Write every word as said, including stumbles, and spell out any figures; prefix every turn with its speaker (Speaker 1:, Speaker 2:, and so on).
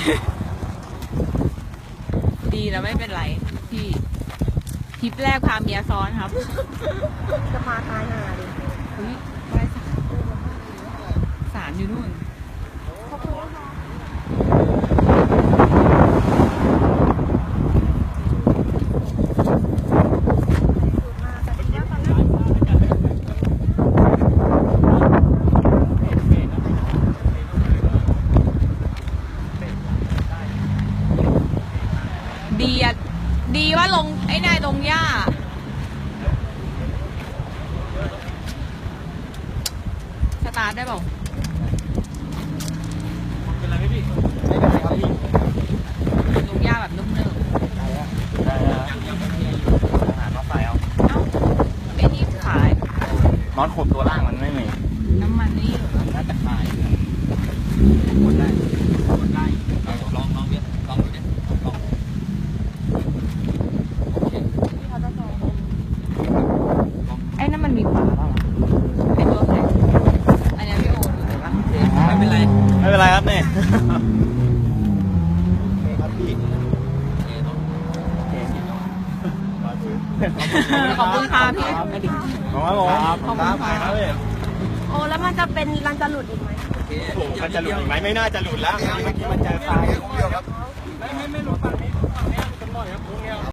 Speaker 1: ดีแล้วไม่เป็นไรพี่ทริปแรกพาเมียซ้อนครับ
Speaker 2: จะพาตายห่าดิ
Speaker 1: เฮ้ยไหว้ศาลศาลอยู่นู่นดีอะดีว่าลงไอ้นายลงหญ้าสตาร์ทได้เปล่า
Speaker 3: เป็นไรไหมพี่ไม่เป็นไรครับพี่
Speaker 1: ลงหญ้าแบบนุ่มๆ
Speaker 3: ได้แล้วได้แล้วยังยังไม่มีอาหารมาใส่เอา
Speaker 1: เอ้าไอ้นี่ขาย
Speaker 3: น็อตขบตัวล่างมันไม่มี
Speaker 1: น้ำมันนี่เหรอ
Speaker 3: น่าจะขายกดได้กดได้ลองลองดิลองดูดิลอง
Speaker 1: ไอ้นั่นมันมีฝาเปล่าไอ้ตัวไหนอันนี้พี่โอดูเลยปะ
Speaker 3: ไม่เป็นไรไม่เป็นไรครับเนี่ยครับพี่
Speaker 1: ขอบคุณค่ะพี่
Speaker 3: ขอบคุณครับผมครับครับ
Speaker 2: โอ้แล้วมันจะเป็นรันจะหลุดอีกไหม
Speaker 3: โอ้มันจะหลุดอีกไหมไม่น่าจะหลุดแล้วเมื่อกี้มันเจอทรายไม่ไม่ไม่หลุดฝั่งนี้ฝั่งนี้กันหน่อยครับตรงนี้